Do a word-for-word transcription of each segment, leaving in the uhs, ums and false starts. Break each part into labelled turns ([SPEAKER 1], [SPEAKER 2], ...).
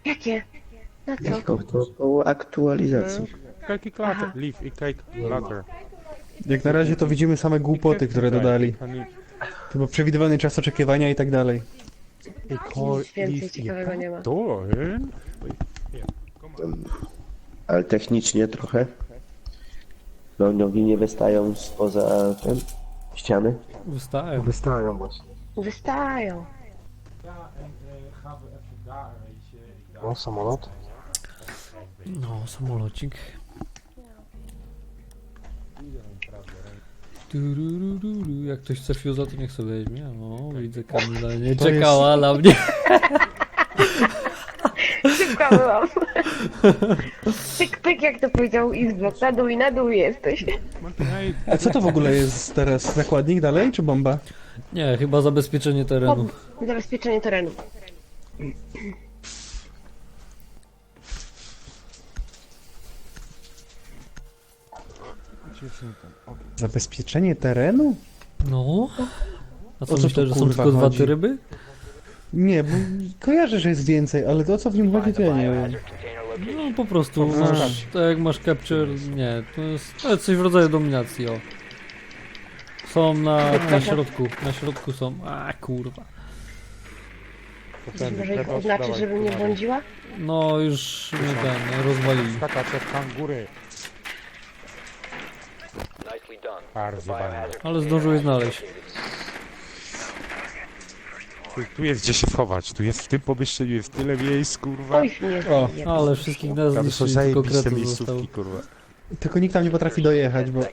[SPEAKER 1] Jakie? Na co?
[SPEAKER 2] To, to po aktualizacji.
[SPEAKER 3] Cake clutter, leaf i cake clutter.
[SPEAKER 4] Jak na razie to widzimy same głupoty, które dodali. Chyba przewidywany czas oczekiwania i tak dalej.
[SPEAKER 1] Nic więcej ciekawego nie ma.
[SPEAKER 3] To,
[SPEAKER 2] Ale technicznie trochę. No nogi nie wystają spoza ten, ściany.
[SPEAKER 5] Wystałem.
[SPEAKER 6] Wystają właśnie.
[SPEAKER 1] Wystają.
[SPEAKER 6] O, samolot.
[SPEAKER 5] No, samolocik. Turururu. Jak ktoś chce fiuza, to niech sobie weźmie. O, widzę Kamila, nie
[SPEAKER 4] To
[SPEAKER 5] czekała na mnie.
[SPEAKER 1] Szybka byłam. Pyk, pyk, jak to powiedział Izblok. Na dół i na dół jesteś.
[SPEAKER 4] A co to w ogóle jest teraz? Zakładnik dalej, czy bomba?
[SPEAKER 5] Nie, chyba zabezpieczenie terenu.
[SPEAKER 1] Zabezpieczenie terenu.
[SPEAKER 4] Zabezpieczenie terenu?
[SPEAKER 5] No. A co
[SPEAKER 4] O co
[SPEAKER 5] myślę,
[SPEAKER 4] tu,
[SPEAKER 5] że są
[SPEAKER 4] kurwa,
[SPEAKER 5] tylko dwa
[SPEAKER 4] chodzi?
[SPEAKER 5] te ryby?
[SPEAKER 4] Nie, bo kojarzę, że jest więcej, ale to o co w nim chodzi, to ja nie wiem.
[SPEAKER 5] No po prostu masz, tak jak masz capture, nie, to jest, to jest coś w rodzaju dominacji, o. Są na, na środku, na środku są, a kurwa.
[SPEAKER 1] Może ich oznaczyć, żebym nie błądziła?
[SPEAKER 5] No już mnie ten, rozwalili.
[SPEAKER 3] Skakać jak kangury. Bardzo bardzo.
[SPEAKER 5] Ale zdążyłeś znaleźć.
[SPEAKER 3] Tu, tu jest gdzie się schować, tu jest w tym pomieszczeniu, jest tyle miejsc, kurwa.
[SPEAKER 1] Oj, nie
[SPEAKER 4] O,
[SPEAKER 1] zjebie.
[SPEAKER 5] Ale wszystkich nas
[SPEAKER 3] Tam są
[SPEAKER 5] zniszczyli, tylko
[SPEAKER 3] zajebiste
[SPEAKER 5] kretów został.
[SPEAKER 3] miejscówki, kurwa.
[SPEAKER 4] Tylko nikt tam nie potrafi dojechać, bo...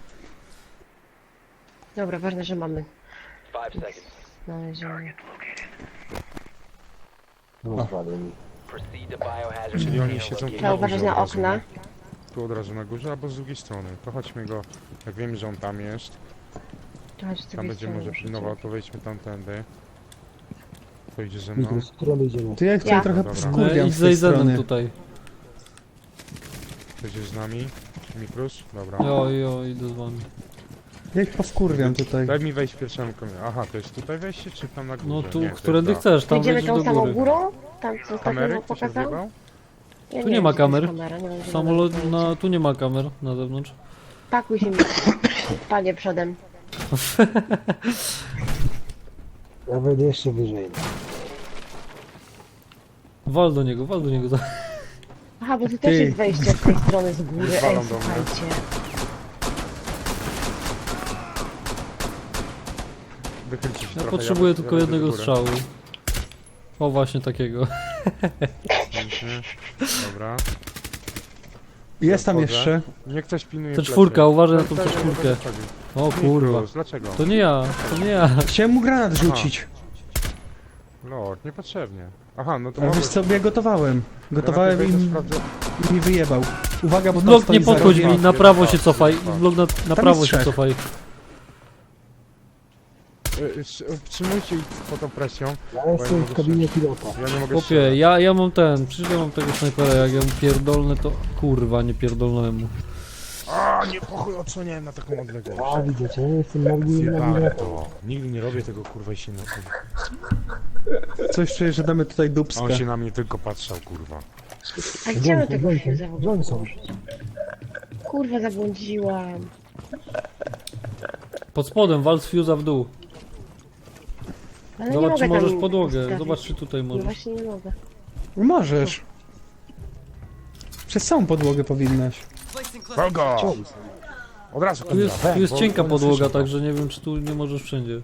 [SPEAKER 1] Dobra, ważne, że mamy. Znalezione.
[SPEAKER 6] No, zwalił mi.
[SPEAKER 3] Czyli oni siedzą tu
[SPEAKER 1] Trzeba uważać
[SPEAKER 3] górze
[SPEAKER 1] na
[SPEAKER 3] od razu,
[SPEAKER 1] okna.
[SPEAKER 3] nie? Tu od razu na górze, albo z drugiej strony. To chodźmy go, jak wiemy, że on tam jest,
[SPEAKER 1] Chodź, z
[SPEAKER 3] tam
[SPEAKER 1] drugiej
[SPEAKER 3] będzie
[SPEAKER 1] strony
[SPEAKER 3] może
[SPEAKER 1] muszę
[SPEAKER 3] pilnował,
[SPEAKER 1] cię-
[SPEAKER 3] to wejdźmy tamtędy. To idzie ze mną.
[SPEAKER 6] Mikro, z którą idziemy?
[SPEAKER 4] To ja tutaj
[SPEAKER 1] Ja.
[SPEAKER 4] trochę
[SPEAKER 3] Dobra.
[SPEAKER 5] No,
[SPEAKER 4] wkurwiam
[SPEAKER 5] idź
[SPEAKER 4] z
[SPEAKER 5] za
[SPEAKER 4] tej
[SPEAKER 5] Izenem
[SPEAKER 4] strony.
[SPEAKER 5] tutaj.
[SPEAKER 3] To idziesz z nami. Mikrus? Dobra.
[SPEAKER 5] Jo, jo, idę z wami.
[SPEAKER 4] Ja ich powkurwiam tutaj.
[SPEAKER 3] Daj mi wejść pierwszemu komię. Aha, to jest tutaj wejście, czy tam na górze?
[SPEAKER 5] No tu,
[SPEAKER 3] Nie, to
[SPEAKER 5] którędy
[SPEAKER 3] jest to.
[SPEAKER 5] chcesz, tam
[SPEAKER 1] Idziemy
[SPEAKER 5] wejdziesz
[SPEAKER 1] tą
[SPEAKER 5] do
[SPEAKER 1] samą
[SPEAKER 5] góry.
[SPEAKER 1] górą? Tam co
[SPEAKER 3] Kamery?
[SPEAKER 1] ostatnio
[SPEAKER 3] Ktoś
[SPEAKER 1] pokazał?
[SPEAKER 3] odjebał?
[SPEAKER 1] Ja
[SPEAKER 5] Tu
[SPEAKER 1] nie
[SPEAKER 5] nie
[SPEAKER 1] wiem,
[SPEAKER 5] ma
[SPEAKER 1] gdzie to jest
[SPEAKER 5] kamer.
[SPEAKER 1] kamera, nie mam zielonego
[SPEAKER 5] Samolot,
[SPEAKER 1] pojęcia.
[SPEAKER 5] na, tu nie ma kamer na zewnątrz.
[SPEAKER 1] Pakuj się mi. Panie przodem.
[SPEAKER 6] Ja wejdę jeszcze wyżej.
[SPEAKER 5] Wal do niego, wal do niego.
[SPEAKER 1] Aha, bo tu
[SPEAKER 4] Ty.
[SPEAKER 1] też jest wejście z tej strony z góry. Ej,
[SPEAKER 3] Walą do mnie.
[SPEAKER 1] słuchajcie.
[SPEAKER 3] Wychylcie się
[SPEAKER 5] Ja
[SPEAKER 3] trochę,
[SPEAKER 5] potrzebuję
[SPEAKER 3] ja
[SPEAKER 5] tylko
[SPEAKER 3] lecę do
[SPEAKER 5] jednego
[SPEAKER 3] góry.
[SPEAKER 5] strzału. O, właśnie takiego.
[SPEAKER 3] Pięknie. Dobra.
[SPEAKER 4] Jest tam
[SPEAKER 3] Wchodzę.
[SPEAKER 4] jeszcze.
[SPEAKER 3] Niech ktoś pilnuje
[SPEAKER 5] To
[SPEAKER 3] plecy.
[SPEAKER 5] czwórka, uważaj na tą
[SPEAKER 3] Plecy,
[SPEAKER 5] czwórkę.
[SPEAKER 3] plecy, plecy.
[SPEAKER 5] O kurwa.
[SPEAKER 3] Mikrus, dlaczego?
[SPEAKER 5] To nie ja, to nie ja.
[SPEAKER 4] Chciałem mu granat rzucić.
[SPEAKER 3] Lord, niepotrzebnie. Aha, no to
[SPEAKER 4] A wiesz
[SPEAKER 3] możesz...
[SPEAKER 4] co, ja gotowałem. Gotowałem i
[SPEAKER 3] Granaty
[SPEAKER 4] mi,
[SPEAKER 3] wejdę, sprawdzę.
[SPEAKER 4] i mi wyjebał. Uwaga, bo tam
[SPEAKER 5] Blok,
[SPEAKER 4] stoi
[SPEAKER 5] nie
[SPEAKER 4] za
[SPEAKER 5] podchodź
[SPEAKER 4] rogiem.
[SPEAKER 5] mi, na prawo się cofaj. Blok na, na prawo
[SPEAKER 4] jest
[SPEAKER 5] się
[SPEAKER 4] trzech.
[SPEAKER 5] cofaj.
[SPEAKER 3] Y, y, Wstrzymujcie ich pod tą presją.
[SPEAKER 6] Ja jestem w kabinie pilota.
[SPEAKER 3] Ja nie mogę
[SPEAKER 5] Chłopie,
[SPEAKER 3] strzelać.
[SPEAKER 5] ja, ja mam ten, przecież ja mam tego snajpera, jak ja mu pierdolnę to... Kurwa, nie pierdolnąłem mu.
[SPEAKER 3] A, nie pochuj, odsłoniałem na taką odległość.
[SPEAKER 6] A, widzicie, ja jestem na linii
[SPEAKER 3] Zjebane
[SPEAKER 6] nawigatora.
[SPEAKER 3] to. Nigdy nie robię tego, kurwa, i się nie...
[SPEAKER 4] Coś czuję, że damy tutaj
[SPEAKER 3] A
[SPEAKER 4] dupska.
[SPEAKER 3] on się na mnie tylko patrzał, kurwa.
[SPEAKER 1] A gdzie my
[SPEAKER 6] Broń,
[SPEAKER 1] tego
[SPEAKER 6] broń,
[SPEAKER 1] fuse'a w ogóle?
[SPEAKER 6] broń są.
[SPEAKER 1] Kurwa, zabłądziłam.
[SPEAKER 5] Pod spodem, wal z fuse'a w dół.
[SPEAKER 1] Ale nie
[SPEAKER 5] Zobacz,
[SPEAKER 1] mogę
[SPEAKER 5] czy możesz
[SPEAKER 1] tam
[SPEAKER 5] podłogę.
[SPEAKER 1] ustawić.
[SPEAKER 5] Zobacz, czy tutaj
[SPEAKER 1] No
[SPEAKER 5] możesz.
[SPEAKER 1] właśnie nie mogę.
[SPEAKER 4] Możesz. Przez całą podłogę powinnaś.
[SPEAKER 3] Kogo? Od razu,
[SPEAKER 5] Tu jest,
[SPEAKER 3] kurwa,
[SPEAKER 5] tu jest
[SPEAKER 3] bo-
[SPEAKER 5] cienka
[SPEAKER 3] bo nie
[SPEAKER 5] podłoga,
[SPEAKER 3] słyszę.
[SPEAKER 5] także nie wiem, czy tu nie możesz wszędzie.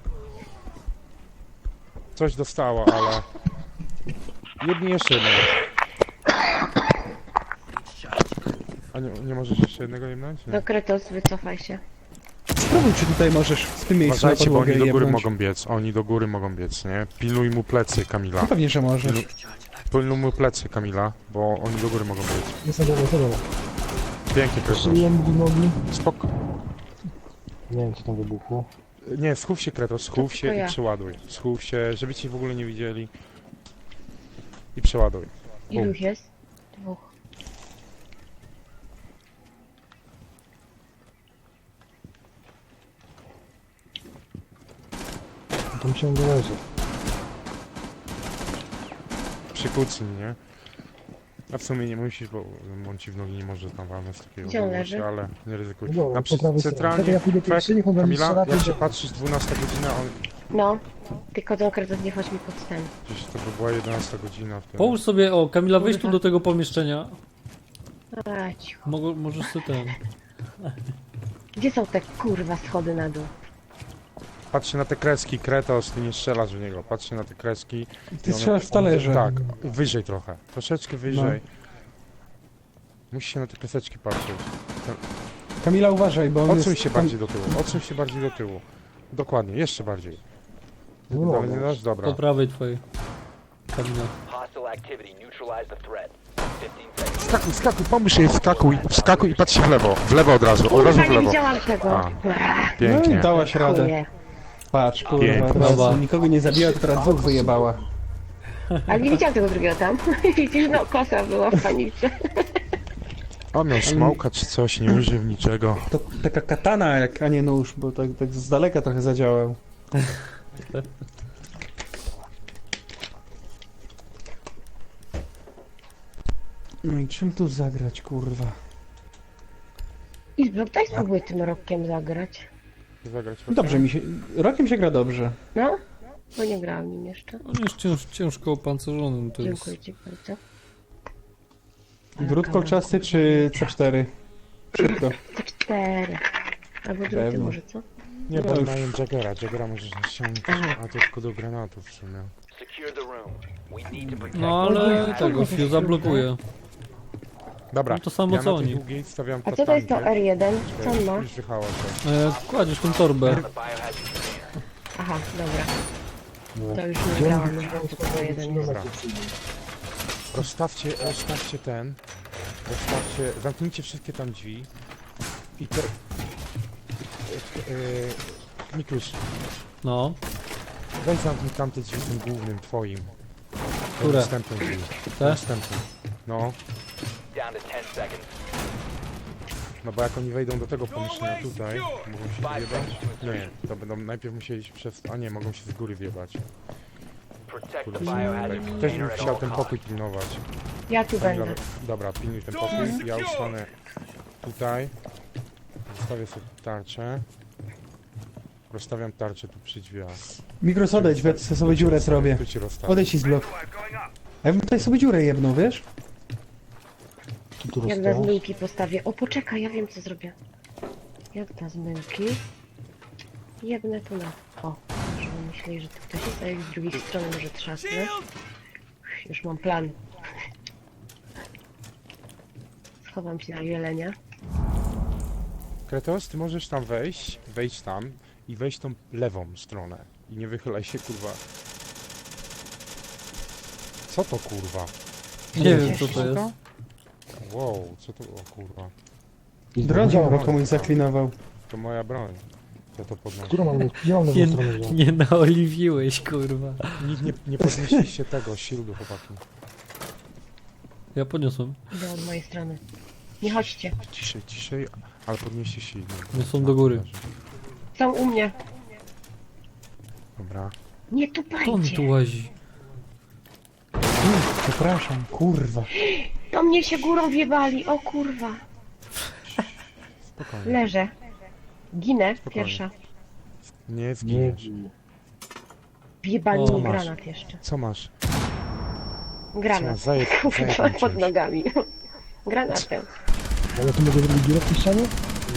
[SPEAKER 3] Coś dostała, ale... Jedni jeszcze jednego. A nie, nie możesz jeszcze jednego jebnąć? Nie.
[SPEAKER 1] No Kretos, wycofaj się.
[SPEAKER 4] Spróbuj, czy tutaj możesz w tym miejscu na
[SPEAKER 3] Uważajcie, bo
[SPEAKER 4] podłogę
[SPEAKER 3] oni do góry
[SPEAKER 4] jebnąć.
[SPEAKER 3] mogą biec. Oni do góry mogą biec, nie? Pilnuj mu plecy, Kamila.
[SPEAKER 4] No pewnie, że możesz.
[SPEAKER 3] Pilnuj mu plecy, Kamila, bo oni do góry mogą biec.
[SPEAKER 6] Jestem za motorem.
[SPEAKER 3] Pięknie, Krystian.
[SPEAKER 6] Szyję mu nogi.
[SPEAKER 3] Spoko.
[SPEAKER 6] Nie wiem, co tam wybuchło.
[SPEAKER 3] Nie, schów się, Kretos, schów
[SPEAKER 1] To
[SPEAKER 3] się
[SPEAKER 1] ja.
[SPEAKER 3] i przeładuj. Schów się, żeby ci w ogóle nie widzieli. I przeładuj.
[SPEAKER 1] Ilu ich jest? Dwóch.
[SPEAKER 6] Tam ciągle leży.
[SPEAKER 3] się kucnij, nie? A w sumie nie musisz, bo on ci w nogi nie może tam walnąć z takiego
[SPEAKER 1] Gdzie on
[SPEAKER 3] odległości,
[SPEAKER 1] leży?
[SPEAKER 3] ale nie ryzykuj.
[SPEAKER 6] No dobra,
[SPEAKER 3] Na przy,
[SPEAKER 6] po prawej stronie.
[SPEAKER 3] centralnie,
[SPEAKER 6] Czekaj, ja pójdę
[SPEAKER 3] fek,
[SPEAKER 6] pierwszy, niech on we mnie
[SPEAKER 3] Kamila,
[SPEAKER 6] strzela,
[SPEAKER 3] jak
[SPEAKER 6] to
[SPEAKER 3] się
[SPEAKER 6] idę.
[SPEAKER 3] patrzysz, dwunasta godzina, on
[SPEAKER 1] No, tylko konkretnie nie chodź mi pod ten.
[SPEAKER 3] gdzieś to by była jedenasta godzina. w tym.
[SPEAKER 5] Połóż sobie, o, Kamila, wejdź tu do tego pomieszczenia.
[SPEAKER 1] A, cicho.
[SPEAKER 5] Mogę, możesz sobie ten...
[SPEAKER 1] Gdzie są te kurwa schody na dół?
[SPEAKER 3] Patrzcie na te kreski, Kretos, ty nie strzelasz w niego, patrzcie na te kreski.
[SPEAKER 4] Ty
[SPEAKER 3] I one-
[SPEAKER 4] strzelasz w talerze.
[SPEAKER 3] Tak, wyżej trochę, troszeczkę wyżej. Musisz się na te kreseczki patrzeć.
[SPEAKER 4] Kamila, uważaj, bo on
[SPEAKER 3] Odsuń
[SPEAKER 4] jest...
[SPEAKER 3] się bardziej do tyłu, odsuń się bardziej do tyłu. Dokładnie, jeszcze bardziej.
[SPEAKER 6] Nie
[SPEAKER 3] Dalej
[SPEAKER 6] mogę.
[SPEAKER 3] nie dasz? Dobra.
[SPEAKER 5] Po prawej twojej. Kamila.
[SPEAKER 7] Hostile activity. Neutralize the threat. fifteen seconds.
[SPEAKER 3] Skakuj, skakuj, pomóż jej, skakuj, skakuj i patrz się w lewo, w lewo od razu, od razu
[SPEAKER 1] Kurwa,
[SPEAKER 3] w
[SPEAKER 1] nie
[SPEAKER 3] lewo.
[SPEAKER 1] widziałam tego.
[SPEAKER 3] A.
[SPEAKER 1] Ech,
[SPEAKER 4] No i
[SPEAKER 3] Pięknie.
[SPEAKER 4] dałaś radę.
[SPEAKER 1] chuje.
[SPEAKER 4] Patrz, kurwa,
[SPEAKER 3] Pięknie.
[SPEAKER 4] teraz
[SPEAKER 5] Brawa.
[SPEAKER 4] nikogo nie zabiła, to teraz dwóch wyjebała.
[SPEAKER 1] Ale nie widziałam tego drugiego tam. Widzisz, no kosa była w panice.
[SPEAKER 3] On miał smoka czy coś, nie użył niczego.
[SPEAKER 4] To taka katana, jak, a nie nóż, bo tak, tak z daleka trochę zadziałał. No i czym tu zagrać, kurwa?
[SPEAKER 1] Izbro, daj spróbuj tym rokiem zagrać.
[SPEAKER 3] Zagrać
[SPEAKER 4] Dobrze mi się... Rokiem się gra dobrze.
[SPEAKER 1] No? Bo nie grałam nim jeszcze.
[SPEAKER 5] On jest cięż, ciężko opancerzonym, to jest...
[SPEAKER 1] Dziękuję ci bardzo.
[SPEAKER 4] Drut kolczasty czy C cztery? Szybko.
[SPEAKER 1] C cztery. Albo drugi
[SPEAKER 4] Pewno.
[SPEAKER 1] może, co?
[SPEAKER 3] Nie,
[SPEAKER 4] No
[SPEAKER 3] bo
[SPEAKER 4] już.
[SPEAKER 3] mają Jaggera, Jaggera możesz ściągnąć,
[SPEAKER 1] Aha.
[SPEAKER 3] a to tylko do granatów w sumie.
[SPEAKER 7] Secure the room. We need to protect.
[SPEAKER 5] No ale tego, Fiu zablokuje.
[SPEAKER 3] Dobra,
[SPEAKER 5] No to samo
[SPEAKER 3] ja
[SPEAKER 5] co
[SPEAKER 3] na tej
[SPEAKER 5] oni.
[SPEAKER 3] długiej stawiam
[SPEAKER 1] A co to jest to
[SPEAKER 3] tatankę.
[SPEAKER 1] R jeden? Co on ma?
[SPEAKER 3] Już wychała się.
[SPEAKER 5] E, kładziesz tą torbę.
[SPEAKER 7] The biohazard container.
[SPEAKER 1] Aha, dobra.
[SPEAKER 6] No.
[SPEAKER 1] To już nie grałam, już mam tylko jeden.
[SPEAKER 3] Dobra. Rozstawcie, rozstawcie ten. Rozstawcie, zamknijcie wszystkie tam drzwi. I te... Yy, Mikuś,
[SPEAKER 5] No,
[SPEAKER 3] weź zamknij tamte drzwi tym głównym, twoim.
[SPEAKER 5] Które?
[SPEAKER 3] Następnym drzwi.
[SPEAKER 5] Te?
[SPEAKER 3] Następnym. No,
[SPEAKER 7] Down to ten seconds.
[SPEAKER 3] no bo jak oni wejdą do tego pomieszczenia tutaj, mogą się wjebać? Nie, to będą najpierw musieli się przez... A nie, mogą się z góry wjebać.
[SPEAKER 7] Protect the
[SPEAKER 3] Kurde,
[SPEAKER 7] biohazard
[SPEAKER 3] Też bym
[SPEAKER 7] container at
[SPEAKER 3] chciał
[SPEAKER 7] all
[SPEAKER 3] ten
[SPEAKER 7] costs.
[SPEAKER 3] pokój pilnować.
[SPEAKER 1] Ja tu
[SPEAKER 3] Dobra,
[SPEAKER 1] będę.
[SPEAKER 3] dobra, pilnuj ten pokój. Ja ustanę tutaj. Zostawię sobie tarczę. Rozstawiam tarczę tu przy drzwiach.
[SPEAKER 4] Mikros, odejdź, bo ja tu sobie dziurę zrobię.
[SPEAKER 3] Tu ci rozstawię.
[SPEAKER 4] Odejdź i z blok. A ja bym tutaj sobie dziurę jedną, wiesz?
[SPEAKER 6] Tu tu
[SPEAKER 1] Jak na
[SPEAKER 6] rozstało.
[SPEAKER 1] zmyłki postawię. O, poczekaj, ja wiem co zrobię. Jak na zmyłki. Jebnę tu na... O, już myśleli, że tu ktoś jest, a jak z drugiej strony może trzasnę. Już mam plan. Schowam się na jelenia.
[SPEAKER 3] Kretos, ty możesz tam wejść, wejść tam i wejść tą lewą stronę. I nie wychylaj się, kurwa. Co to, kurwa?
[SPEAKER 5] nie wiem co to jest.
[SPEAKER 3] Wow, co to, o kurwa.
[SPEAKER 4] Drogi chyba komuś zaklinował.
[SPEAKER 3] To moja broń. Co to podnosi?
[SPEAKER 6] Którą mam mieć? Gdzie mam
[SPEAKER 5] Nie,
[SPEAKER 6] lewą stronę wziąć?
[SPEAKER 5] nie naoliwiłeś, kurwa.
[SPEAKER 3] Nikt nie, nie podnieśliście tego, shieldu, chłopaki.
[SPEAKER 5] Ja podniosłem.
[SPEAKER 1] Idę od mojej strony. Nie chodźcie.
[SPEAKER 3] Ciszej, ciszej, ale podnieście shield.
[SPEAKER 5] Nie są do góry.
[SPEAKER 1] Są u mnie.
[SPEAKER 3] Dobra.
[SPEAKER 1] Nie
[SPEAKER 5] To on
[SPEAKER 1] tupajcie.
[SPEAKER 5] tu łazi.
[SPEAKER 4] Przepraszam, kurwa.
[SPEAKER 1] Do mnie się górą wjebali. O kurwa.
[SPEAKER 3] Spokojnie.
[SPEAKER 1] Leżę. Ginę.
[SPEAKER 3] Spokojnie.
[SPEAKER 1] Pierwsza.
[SPEAKER 3] Nie
[SPEAKER 6] Nie
[SPEAKER 3] zginiesz.
[SPEAKER 6] bij.
[SPEAKER 1] Wjebali
[SPEAKER 5] O,
[SPEAKER 1] mi
[SPEAKER 3] masz.
[SPEAKER 1] granat jeszcze.
[SPEAKER 3] Co masz?
[SPEAKER 1] Granat.
[SPEAKER 3] Co, zajeb-
[SPEAKER 1] Kurwa,
[SPEAKER 3] zajebam
[SPEAKER 1] pod
[SPEAKER 3] cię.
[SPEAKER 1] nogami. Granatem.
[SPEAKER 6] Ale tu mogę zrobić dziurę w tej ścianie?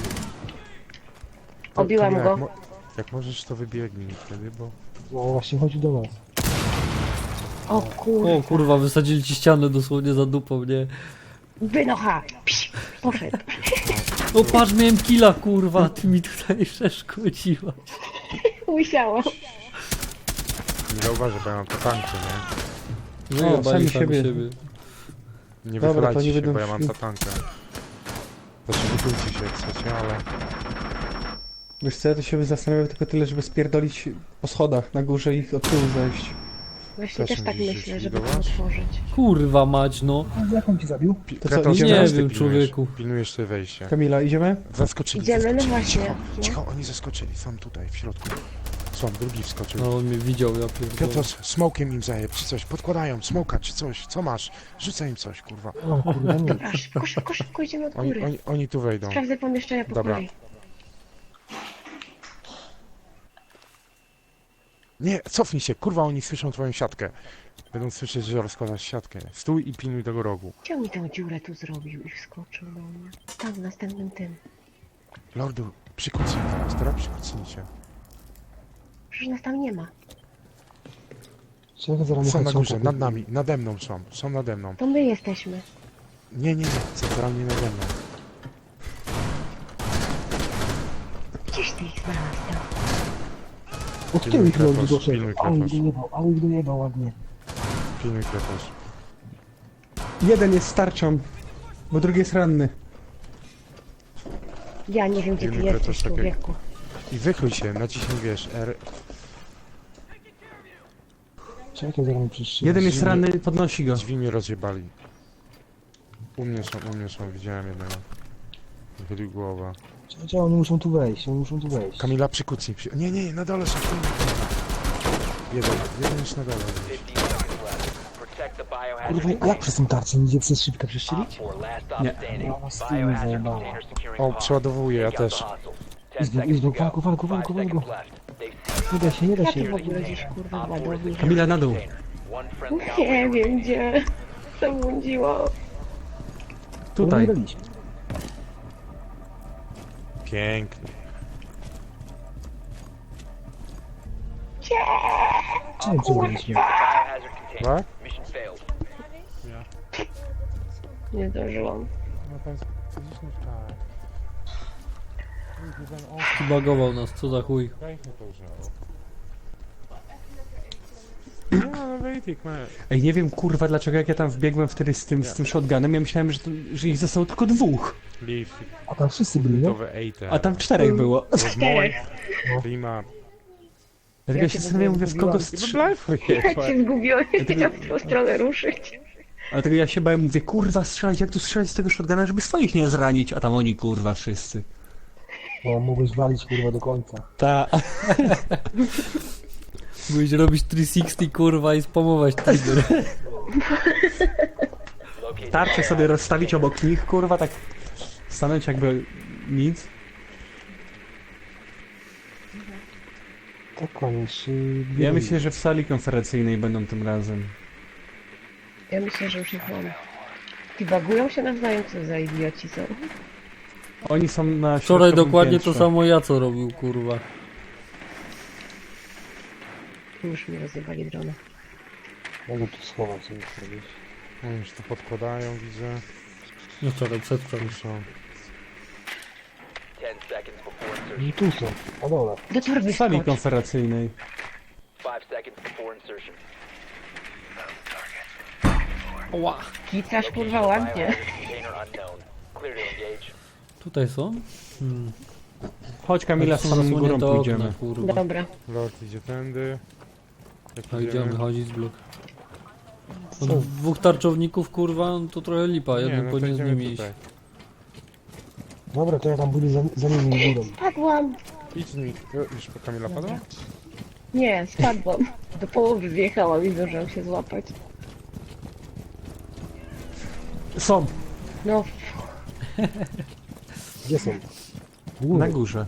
[SPEAKER 3] To-
[SPEAKER 1] Obiłam
[SPEAKER 3] to
[SPEAKER 1] go.
[SPEAKER 3] Jak, mo- jak możesz, to wybiegnij wtedy, bo...
[SPEAKER 6] No właśnie chodzi do nas.
[SPEAKER 1] O kurwa.
[SPEAKER 5] O kurwa, wysadzili ci ścianę dosłownie za dupą, nie?
[SPEAKER 1] Wynocha. Psz, poszedł.
[SPEAKER 5] O patrz, miałem killa, kurwa, ty mi tutaj przeszkodziła.
[SPEAKER 1] Musiało.
[SPEAKER 3] Nie zauważę, bo ja mam to tankę, nie?
[SPEAKER 5] Wyjebali
[SPEAKER 4] sami
[SPEAKER 5] sami
[SPEAKER 4] siebie.
[SPEAKER 5] siebie.
[SPEAKER 3] Nie
[SPEAKER 4] Dobra, to
[SPEAKER 3] wychylajcie
[SPEAKER 4] nie
[SPEAKER 3] się,
[SPEAKER 4] będą
[SPEAKER 3] bo ja mam
[SPEAKER 4] szli.
[SPEAKER 3] tatankę. Zatrzymujcie się jak chcecie, ale...
[SPEAKER 4] Wiesz co, ja to się zastanawiam tylko tyle, żeby spierdolić po schodach na górze i ich od tyłu zejść.
[SPEAKER 1] Właśnie
[SPEAKER 3] Też
[SPEAKER 1] też tak
[SPEAKER 3] musisz
[SPEAKER 1] myślę,
[SPEAKER 3] się
[SPEAKER 1] żeby to
[SPEAKER 3] likwidować?
[SPEAKER 1] otworzyć.
[SPEAKER 5] Kurwa mać, no.
[SPEAKER 6] A jak on ci zabił?
[SPEAKER 3] Pi-
[SPEAKER 4] To co,
[SPEAKER 3] Kretos,
[SPEAKER 4] idziemy?
[SPEAKER 3] teraz
[SPEAKER 5] Nie
[SPEAKER 3] ty
[SPEAKER 5] wiem,
[SPEAKER 3] pilnujesz-
[SPEAKER 5] człowieku.
[SPEAKER 3] Pilnujesz sobie wejście.
[SPEAKER 4] Kamila, idziemy?
[SPEAKER 3] Zaskoczyli,
[SPEAKER 1] Idziemy, no
[SPEAKER 3] zaskoczyli.
[SPEAKER 1] właśnie,
[SPEAKER 3] Cicho,
[SPEAKER 1] no.
[SPEAKER 3] cicho, oni zaskoczyli, są tutaj, w środku. Są, drugi wskoczył.
[SPEAKER 5] No on mnie widział, ja pierdolę.
[SPEAKER 3] Piotr, smokiem im zajeb, czy coś, podkładają, smoka, czy coś, co masz? Rzucaj im coś, kurwa.
[SPEAKER 6] O kurde, nie.
[SPEAKER 1] Dobra, szybko, szybko, szybko idziemy od
[SPEAKER 3] Oni,
[SPEAKER 1] góry.
[SPEAKER 3] oni, oni tu wejdą.
[SPEAKER 1] Sprawdzę pomieszczenia po
[SPEAKER 3] Dobra.
[SPEAKER 1] kolei.
[SPEAKER 3] Nie, cofnij się, kurwa, oni słyszą twoją siatkę. Będą słyszeć, że rozkładasz siatkę. Stój i pilnuj tego rogu.
[SPEAKER 1] Gdzie on mi tę dziurę tu zrobił i wskoczył do mnie? Tam, w następnym tym.
[SPEAKER 3] Lordu, przykucnij teraz, teraz przykucnij się.
[SPEAKER 1] Przecież nas tam nie ma.
[SPEAKER 6] Czekaj, zaraz
[SPEAKER 3] Są
[SPEAKER 6] mnie
[SPEAKER 3] na
[SPEAKER 6] chodź,
[SPEAKER 3] górze,
[SPEAKER 6] są
[SPEAKER 3] nad nami, nade mną są, są nade mną.
[SPEAKER 1] To my jesteśmy.
[SPEAKER 3] Nie, nie, nie, centralnie nade mną.
[SPEAKER 1] Gdzieś ty ich znalazł tam.
[SPEAKER 6] Od tyłu ich
[SPEAKER 3] Pilnuj
[SPEAKER 6] lądu
[SPEAKER 3] Krepos,
[SPEAKER 6] doszedł.
[SPEAKER 3] pilnuj
[SPEAKER 6] A ich
[SPEAKER 3] Krepos.
[SPEAKER 6] dojebał, a ich dojebał ładnie.
[SPEAKER 3] Pilnuj Krepos.
[SPEAKER 4] Jeden jest starczą, bo drugi jest ranny.
[SPEAKER 1] Ja nie wiem, gdzie ty
[SPEAKER 3] Pilnuj Krepos,
[SPEAKER 1] jesteś,
[SPEAKER 3] czekaj.
[SPEAKER 1] człowieku.
[SPEAKER 3] I wychyl się, naciśnij, wiesz, R.
[SPEAKER 6] Czekaj, zaraz mi przyszło.
[SPEAKER 4] Jeden jest ranny, podnosi go.
[SPEAKER 3] Drzwi mnie rozjebali. U mnie są, u mnie są, widziałem jednego. Wychylił głowa.
[SPEAKER 6] Czekaj, oni muszą tu wejść, oni muszą tu wejść.
[SPEAKER 3] Kamila, przykucnij. Przy... Nie, nie, nie, na dole są. pilnuj. Jeden, jeden już na dole.
[SPEAKER 7] fifteen seconds left. Protect the biohazard
[SPEAKER 6] Kurwa, a jak
[SPEAKER 7] container.
[SPEAKER 6] przez tą tarczę idzie przez szybkę przestrzelić?
[SPEAKER 7] Op four, last stop
[SPEAKER 4] Nie.
[SPEAKER 7] standing.
[SPEAKER 6] Ja was nie
[SPEAKER 7] Biohazard
[SPEAKER 6] zajebałem.
[SPEAKER 7] container securing
[SPEAKER 3] O,
[SPEAKER 7] hostage.
[SPEAKER 3] przeładowuję, ja
[SPEAKER 7] Take out
[SPEAKER 3] też.
[SPEAKER 7] the hostiles. Ten
[SPEAKER 6] Izbu,
[SPEAKER 7] seconds
[SPEAKER 6] Izbu,
[SPEAKER 7] to go.
[SPEAKER 6] walku, walku, walku,
[SPEAKER 7] Five
[SPEAKER 6] walku.
[SPEAKER 7] seconds left. They've
[SPEAKER 6] Nie da się, nie da
[SPEAKER 1] Ja
[SPEAKER 6] się.
[SPEAKER 1] tu w ogóle gdzieś kurwa
[SPEAKER 7] Op four is
[SPEAKER 1] ładowi.
[SPEAKER 4] Kamila, na dół.
[SPEAKER 7] container. One friendly
[SPEAKER 1] Nie
[SPEAKER 7] operator
[SPEAKER 1] wiem gdzie. Zabłądziło.
[SPEAKER 4] Tutaj.
[SPEAKER 6] Daliśmy.
[SPEAKER 3] Pięknie.
[SPEAKER 6] Czemu przegraliśmy?
[SPEAKER 7] biohazard container.
[SPEAKER 3] Tak?
[SPEAKER 7] Mission failed.
[SPEAKER 1] Nie zdążyłam.
[SPEAKER 3] No to jest gdzieś nie tak.
[SPEAKER 5] Bagował nas, co za chuj.
[SPEAKER 3] Weźmy to już. No, no, wejtik, man.
[SPEAKER 4] Ej, nie wiem kurwa dlaczego jak ja tam wbiegłem wtedy z tym, z tym shotgunem, ja myślałem, że, to, że ich zostało tylko dwóch.
[SPEAKER 3] Leaf,
[SPEAKER 6] A tam wszyscy byli, nie?
[SPEAKER 3] gotowe ejte.
[SPEAKER 4] A tam czterech było.
[SPEAKER 1] Czterech.
[SPEAKER 3] Klima.
[SPEAKER 4] Dlatego ja się zastanawiam, mówię, w kogo strzelać.
[SPEAKER 1] Ja cię zgubiłem, nie wiedziałam w którą stronę ruszyć.
[SPEAKER 4] Dlatego ja się bałem, mówię, kurwa strzelać, jak tu strzelać z tego shotguna, żeby swoich nie zranić, a tam oni kurwa wszyscy.
[SPEAKER 6] O, mogłeś walić kurwa do końca.
[SPEAKER 4] Ta.
[SPEAKER 5] Byłeś robić trzysta sześćdziesiąt kurwa i spamować trigger.
[SPEAKER 7] Locate
[SPEAKER 4] Tarczę sobie rozstawić obok nich, kurwa, tak stanąć jakby nic.
[SPEAKER 6] Tak, koniec.
[SPEAKER 4] Ja myślę, że w sali konferencyjnej będą tym razem.
[SPEAKER 1] Ja myślę, że już ich mam. Ty bagują się nawzajem, co za idioci są.
[SPEAKER 4] Oni są na
[SPEAKER 5] Wczoraj
[SPEAKER 4] środkowym
[SPEAKER 5] dokładnie to
[SPEAKER 4] piętrze.
[SPEAKER 5] samo ja co robił, kurwa.
[SPEAKER 1] Już mi rozjebali drona.
[SPEAKER 6] Mogę tu schować, co muszę robić.
[SPEAKER 3] Oni już tu podkładają, widzę.
[SPEAKER 5] No wczoraj, przedwczoraj.
[SPEAKER 3] Tu są.
[SPEAKER 7] ten seconds before insertion.
[SPEAKER 6] I tu są, na dole.
[SPEAKER 1] Do torby
[SPEAKER 4] W sali
[SPEAKER 1] skocz.
[SPEAKER 4] konferencyjnej.
[SPEAKER 7] Five seconds before insertion.
[SPEAKER 5] Ła.
[SPEAKER 1] Kicasz kurwa ładnie.
[SPEAKER 7] Biohazard container unknown. Clear to engage.
[SPEAKER 5] Tutaj są? Hmm.
[SPEAKER 4] Chodź Kamila, z samą górą
[SPEAKER 5] Zasłonięte
[SPEAKER 4] pójdziemy.
[SPEAKER 5] okna, kurwa.
[SPEAKER 1] Dobra.
[SPEAKER 3] Lord idzie tędy. Jak
[SPEAKER 5] A gdzie
[SPEAKER 3] idziemy?
[SPEAKER 5] on wychodzi z blok? Od dwóch tarczowników, kurwa, no to trochę lipa,
[SPEAKER 3] Nie,
[SPEAKER 5] jeden
[SPEAKER 3] no to
[SPEAKER 5] powinien z
[SPEAKER 3] idziemy
[SPEAKER 5] nimi iść.
[SPEAKER 3] tutaj.
[SPEAKER 6] Dobra, to ja tam budę za, za nimi górą.
[SPEAKER 1] Spadłam.
[SPEAKER 3] Idź z nimi. Jo, Już po Kamila padła?
[SPEAKER 1] Nie, spadłam. Do połowy wjechałam i zdążyłam się złapać.
[SPEAKER 4] Są,
[SPEAKER 1] No,
[SPEAKER 6] Gdzie są? W
[SPEAKER 4] na
[SPEAKER 6] górę.
[SPEAKER 4] górze.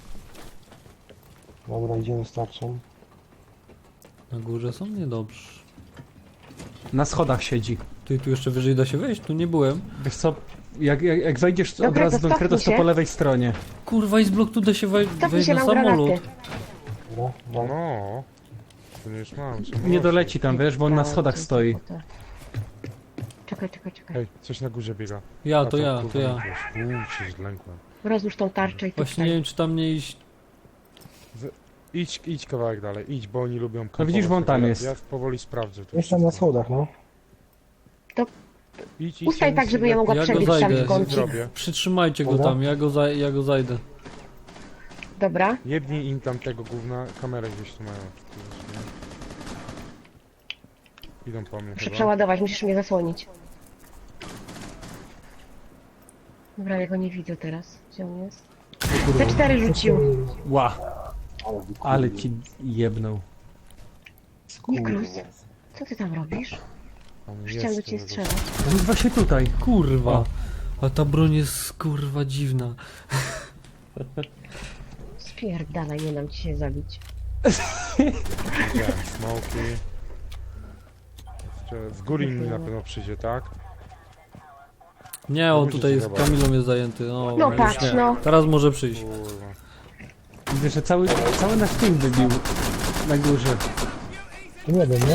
[SPEAKER 6] Dobra, idziemy z tarczą.
[SPEAKER 5] Na górze są? Niedobrze.
[SPEAKER 4] Na schodach siedzi.
[SPEAKER 5] Ty tu jeszcze wyżej da się wejść? Tu nie byłem.
[SPEAKER 4] Wiesz co, jak, jak, jak wejdziesz od
[SPEAKER 1] Dobra,
[SPEAKER 4] razu
[SPEAKER 1] to
[SPEAKER 4] do
[SPEAKER 1] cofnij
[SPEAKER 4] Kredos, to
[SPEAKER 1] się.
[SPEAKER 4] po lewej stronie.
[SPEAKER 5] Kurwa, i z blok tu da się wej-
[SPEAKER 1] cofnij
[SPEAKER 5] wejść
[SPEAKER 1] się
[SPEAKER 5] na
[SPEAKER 1] nam
[SPEAKER 5] samolot.
[SPEAKER 1] granaty.
[SPEAKER 6] Dobra, no.
[SPEAKER 3] No. To nie już mam. co
[SPEAKER 4] Nie
[SPEAKER 3] może.
[SPEAKER 4] doleci tam, wiesz, bo on na schodach stoi.
[SPEAKER 1] Czekaj, czekaj, czekaj.
[SPEAKER 3] Ej, coś na górze biega.
[SPEAKER 5] Ja,
[SPEAKER 3] A
[SPEAKER 5] to ja, to
[SPEAKER 3] kurwa,
[SPEAKER 5] ja.
[SPEAKER 3] nie wiesz. Uuu, się zlękłem.
[SPEAKER 1] Rozłóż tą tarczę i
[SPEAKER 5] Właśnie nie wiem, czy tam nie iść.
[SPEAKER 3] Idź, idź kawałek dalej, idź, bo oni lubią
[SPEAKER 4] No widzisz, bo on tam
[SPEAKER 3] ja,
[SPEAKER 4] jest.
[SPEAKER 3] Ja powoli sprawdzę. to
[SPEAKER 6] Jestem na
[SPEAKER 3] wszystko.
[SPEAKER 6] schodach, no.
[SPEAKER 3] Idź, idź,
[SPEAKER 1] Ustaj
[SPEAKER 3] ja
[SPEAKER 1] tak,
[SPEAKER 3] nic
[SPEAKER 1] żeby
[SPEAKER 3] nie-
[SPEAKER 1] ja mogła
[SPEAKER 5] Ja go
[SPEAKER 1] przebiec tam
[SPEAKER 5] zajdę.
[SPEAKER 1] w kącie.
[SPEAKER 3] zrobię.
[SPEAKER 5] Przytrzymajcie go
[SPEAKER 6] Dobra.
[SPEAKER 5] tam, ja go, za- ja go zajdę.
[SPEAKER 1] Dobra.
[SPEAKER 3] Jebnij im tam tego gówna, kamerę gdzieś tu mają. Gdzieś, nie? Idą po mnie
[SPEAKER 1] Muszę
[SPEAKER 3] chyba.
[SPEAKER 1] przeładować, musisz mnie zasłonić. Dobra, ja go nie widzę teraz. Gdzie on jest? C cztery rzucił.
[SPEAKER 4] Ła.
[SPEAKER 6] Ale wy
[SPEAKER 4] Ale
[SPEAKER 6] kurwa.
[SPEAKER 4] ci jebnął.
[SPEAKER 1] Niklus, co ty tam robisz?
[SPEAKER 3] On
[SPEAKER 1] Chciałem do
[SPEAKER 3] jest,
[SPEAKER 1] ciebie
[SPEAKER 3] tego-
[SPEAKER 1] strzelać.
[SPEAKER 4] On jest właśnie tutaj.
[SPEAKER 5] Kurwa. A ta broń jest kurwa dziwna.
[SPEAKER 1] Spierdalaj, nie dam ci się zabić.
[SPEAKER 3] Widziałem smoki. Jeszcze z góry inni na pewno przyjdzie, tak?
[SPEAKER 5] Nie, on
[SPEAKER 3] Musisz
[SPEAKER 5] tutaj z
[SPEAKER 3] zobaczyć.
[SPEAKER 5] Kamilą jest zajęty. O,
[SPEAKER 1] No
[SPEAKER 5] już
[SPEAKER 1] patrz,
[SPEAKER 5] nie.
[SPEAKER 1] no.
[SPEAKER 5] Teraz może przyjść.
[SPEAKER 3] Kurwa.
[SPEAKER 4] Widzę, że cały, cały nasz team wybił na górze.
[SPEAKER 6] To nie wiem, nie?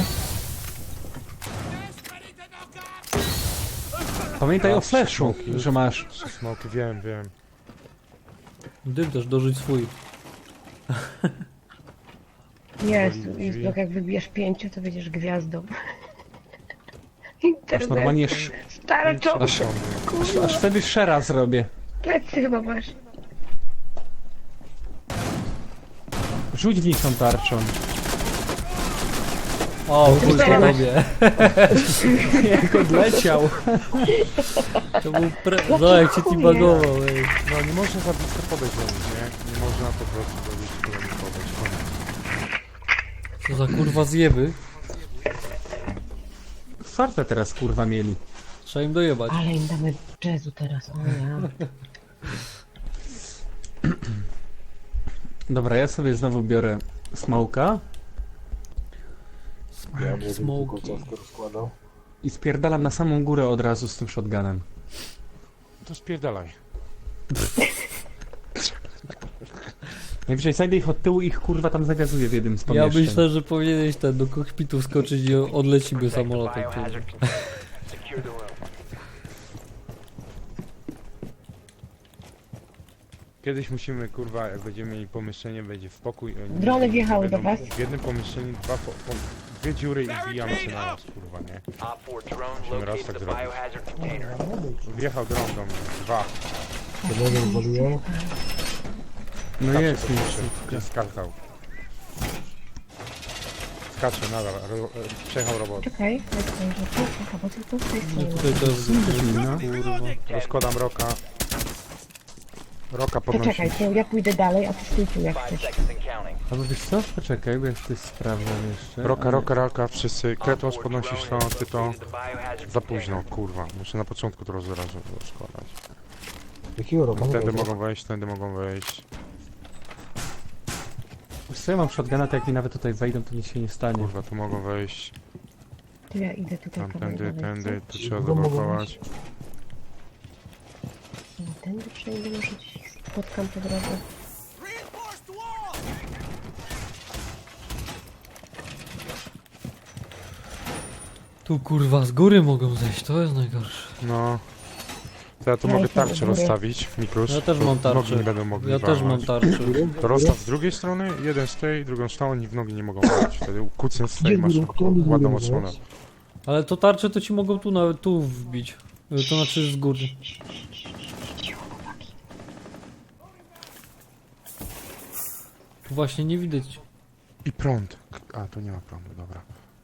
[SPEAKER 4] Pamiętaj
[SPEAKER 3] A,
[SPEAKER 4] o flashu,
[SPEAKER 3] smoki.
[SPEAKER 4] że masz.
[SPEAKER 3] Trzy smoki, wiem, wiem.
[SPEAKER 5] Dym też dorzuć swój.
[SPEAKER 1] Jest,
[SPEAKER 3] Drzwi.
[SPEAKER 1] jest blok, jak wybijesz pięciu, to będziesz gwiazdą.
[SPEAKER 4] Aż
[SPEAKER 1] Internet.
[SPEAKER 4] normalnie sz,
[SPEAKER 1] Stara czołg,
[SPEAKER 4] aż, aż wtedy szera zrobię.
[SPEAKER 1] plecy chyba masz.
[SPEAKER 4] Rzuć w nich tą tarczą.
[SPEAKER 5] O, chuj
[SPEAKER 1] Teraz.
[SPEAKER 5] po tobie.
[SPEAKER 4] Jak odleciał.
[SPEAKER 5] To był pre... No, jak cię teabagował, ej.
[SPEAKER 3] No nie można za blisko podejść do nich, nie? Nie można po prostu za blisko do nich podejść. Koniec.
[SPEAKER 5] Co za kurwa zjeby.
[SPEAKER 4] Fartę teraz kurwa mieli.
[SPEAKER 5] Trzeba im dojebać.
[SPEAKER 1] Ale im damy jazzu teraz, o ja.
[SPEAKER 4] Dobra, ja sobie znowu biorę smoka
[SPEAKER 6] Ja będę
[SPEAKER 5] Smoki.
[SPEAKER 6] tylko ciastko rozkładał.
[SPEAKER 4] i spierdalam na samą górę od razu z tym shotgunem.
[SPEAKER 3] To spierdalaj.
[SPEAKER 4] Najwyżej znajdę ich od tyłu i ich kurwa tam zawiazuję w jednym z
[SPEAKER 5] Ja
[SPEAKER 4] pomieszczeń.
[SPEAKER 5] myślę, że powinieneś ten do kokpitu wskoczyć i odlecimy
[SPEAKER 7] Protect the
[SPEAKER 5] samolotem.
[SPEAKER 7] biohazard
[SPEAKER 5] kurwa.
[SPEAKER 7] container. Secure the room.
[SPEAKER 3] Kiedyś musimy, kurwa, jak będziemy mieli pomieszczenie, będzie w pokój. oni
[SPEAKER 1] Drony wjechały
[SPEAKER 3] będą
[SPEAKER 1] do was.
[SPEAKER 3] W jednym pomieszczeniu dwa, po, po, dwie dziury i wbijamy się na nas, kurwa, nie?
[SPEAKER 7] Op four drone
[SPEAKER 3] Musimy raz
[SPEAKER 7] located
[SPEAKER 3] tak
[SPEAKER 7] the
[SPEAKER 3] zrobić.
[SPEAKER 7] biohazard container.
[SPEAKER 3] Wjechał dron do mnie. Dwa.
[SPEAKER 6] Jednego wywaliłem.
[SPEAKER 4] No
[SPEAKER 3] Skacze
[SPEAKER 4] jest
[SPEAKER 3] do
[SPEAKER 4] już.
[SPEAKER 3] góry. Gdzieś skakał. Skacze nadal. Ro, ro, przejechał robot.
[SPEAKER 1] Czekaj, jak to, że tu, aha, bo tylko z tej
[SPEAKER 5] No
[SPEAKER 1] strony.
[SPEAKER 5] tutaj też
[SPEAKER 4] No.
[SPEAKER 5] kurwa.
[SPEAKER 3] Rozkładam roka. Roka
[SPEAKER 1] To
[SPEAKER 3] podnosi.
[SPEAKER 1] czekaj, to ja pójdę dalej, a ty stój tu jak
[SPEAKER 7] Five
[SPEAKER 1] chcesz.
[SPEAKER 7] seconds and counting.
[SPEAKER 4] Albo wiesz co? Poczekaj, bo ja coś sprawdzam jeszcze.
[SPEAKER 3] Roka, roka, roka, wszyscy.
[SPEAKER 7] Op
[SPEAKER 3] Kretos
[SPEAKER 7] four
[SPEAKER 3] podnosisz
[SPEAKER 7] drone
[SPEAKER 3] to,
[SPEAKER 7] has
[SPEAKER 3] ty to.
[SPEAKER 7] located the biohazard
[SPEAKER 3] Za
[SPEAKER 7] container.
[SPEAKER 3] późno, kurwa. Muszę na początku to roz- razu rozkładać.
[SPEAKER 6] Jakiego roku?
[SPEAKER 3] Tędy mogą wejść, tędy mogą wejść.
[SPEAKER 4] Wiesz co, ja mam shotguna, to jak mi nawet tutaj wejdą, to nic się nie stanie.
[SPEAKER 3] Kurwa, tu mogą wejść.
[SPEAKER 1] To ja idę tutaj
[SPEAKER 3] Tam,
[SPEAKER 1] kawałek
[SPEAKER 3] tędy,
[SPEAKER 1] dalej,
[SPEAKER 3] tędy.
[SPEAKER 1] co?
[SPEAKER 3] Tu trzeba
[SPEAKER 6] Mogą
[SPEAKER 3] zablokować.
[SPEAKER 1] No, tędy przejdę, może gdzieś ich spotkam po drodze.
[SPEAKER 5] Tu kurwa z góry mogą zejść, to jest najgorsze.
[SPEAKER 3] No. To ja tu
[SPEAKER 1] Ja
[SPEAKER 3] mogę
[SPEAKER 1] jestem u
[SPEAKER 3] tarczę
[SPEAKER 1] góry.
[SPEAKER 3] rozstawić, Miklus.
[SPEAKER 5] Ja też
[SPEAKER 3] Tu
[SPEAKER 5] mam tarczę.
[SPEAKER 3] Nogi nie będą mogli
[SPEAKER 5] Ja też mam
[SPEAKER 3] walnąć.
[SPEAKER 5] tarczę.
[SPEAKER 3] To rozstaw z drugiej strony, jeden z tej, drugą z tą, oni w nogi nie mogą wejść. Wtedy kucnę z tej,
[SPEAKER 6] Gdzie
[SPEAKER 3] masz
[SPEAKER 6] góry? Kto mi
[SPEAKER 3] ładną
[SPEAKER 6] góry
[SPEAKER 3] odsłonę.
[SPEAKER 6] wziąć?
[SPEAKER 5] Ale to tarcze to ci mogą tu nawet tu wbić. Y, To znaczy z góry. Tu właśnie nie widać.
[SPEAKER 3] I prąd. A, tu nie ma prądu, dobra.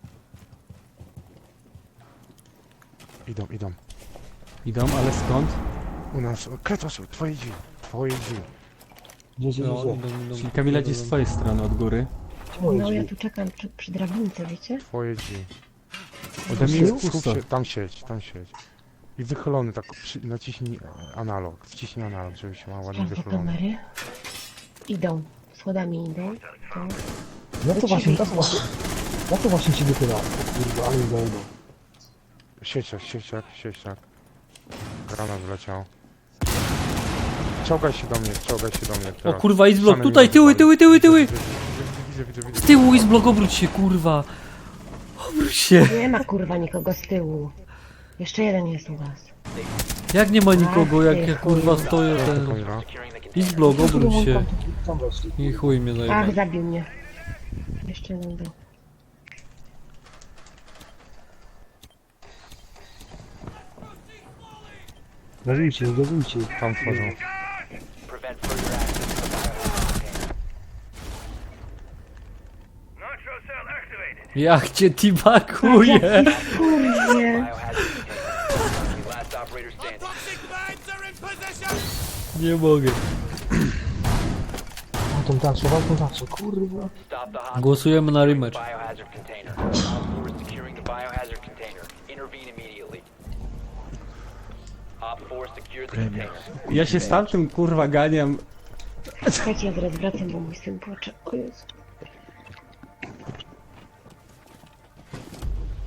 [SPEAKER 3] Idą, idą.
[SPEAKER 4] Idą, ale skąd?
[SPEAKER 3] U nas, o, Kretos, twoje drzwi, twoje drzwi.
[SPEAKER 6] Gdzie, gdzie,
[SPEAKER 5] No,
[SPEAKER 6] gdzie?
[SPEAKER 5] idą, idą.
[SPEAKER 4] Czyli Kamila gdzieś z twojej strony od góry.
[SPEAKER 6] Gdzie moje
[SPEAKER 1] No ja
[SPEAKER 6] drzwi?
[SPEAKER 1] tu czekam przy, przy drabince, wiecie?
[SPEAKER 3] Twoje drzwi.
[SPEAKER 4] Ode mnie
[SPEAKER 3] Skup-
[SPEAKER 4] jest
[SPEAKER 3] skup
[SPEAKER 4] pusto.
[SPEAKER 3] się, tam siedź, tam siedź. I wychylony tak, przy, naciśnij e, analog, wciśnij analog, żeby się ma ładnie
[SPEAKER 1] Sprawdzę
[SPEAKER 3] wychylony.
[SPEAKER 1] kamery. Idą, schodami idą. To...
[SPEAKER 6] Ja to właśnie, ja to właśnie... Ja to właśnie ci wychyla. O kurwa, ale mi zajdą.
[SPEAKER 3] Sieciak, sieciak, sieciak. Granat wleciał. Czołgaj się do mnie, czołgaj się do mnie
[SPEAKER 5] O
[SPEAKER 3] teraz.
[SPEAKER 5] kurwa, Izblok,
[SPEAKER 3] Stanę
[SPEAKER 5] tutaj,
[SPEAKER 3] mi
[SPEAKER 5] tyły, tyły, tyły, tyły!
[SPEAKER 3] Widzę, widzę, widzę, widzę.
[SPEAKER 5] Z tyłu Izblok, obróć się, kurwa! Obróć się!
[SPEAKER 1] Nie ma kurwa nikogo z tyłu. Jeszcze jeden jest u was.
[SPEAKER 5] Jak nie ma nikogo, jak ja kurwa stoję ten...
[SPEAKER 3] Kamila.
[SPEAKER 7] Securing the container.
[SPEAKER 5] Izblok, obróć się.
[SPEAKER 6] Tam weszli.
[SPEAKER 5] I chuj mnie
[SPEAKER 1] Ach,
[SPEAKER 5] zajebał.
[SPEAKER 1] zabił mnie. Jeszcze jeden był.
[SPEAKER 6] Gazujcie, gazujcie.
[SPEAKER 3] Tam wchodzą.
[SPEAKER 7] Prevent further access to the biohazard container.
[SPEAKER 5] Jak cię tibakuje!
[SPEAKER 1] Kurwie!
[SPEAKER 7] Biohazard container. Last operator standing.
[SPEAKER 5] Nie mogę.
[SPEAKER 6] Wal tą tarczę, wal tą tarczę, kurwa.
[SPEAKER 7] Stop the hostile
[SPEAKER 5] Głosujemy na rematch.
[SPEAKER 7] biohazard container. Op four is securing the biohazard container. Intervene immediately. Op four secured the container.
[SPEAKER 4] Ja się z tamtym kurwa ganiam.
[SPEAKER 1] Słuchajcie, ja zaraz wracam, bo mój syn płacze. O Jezu.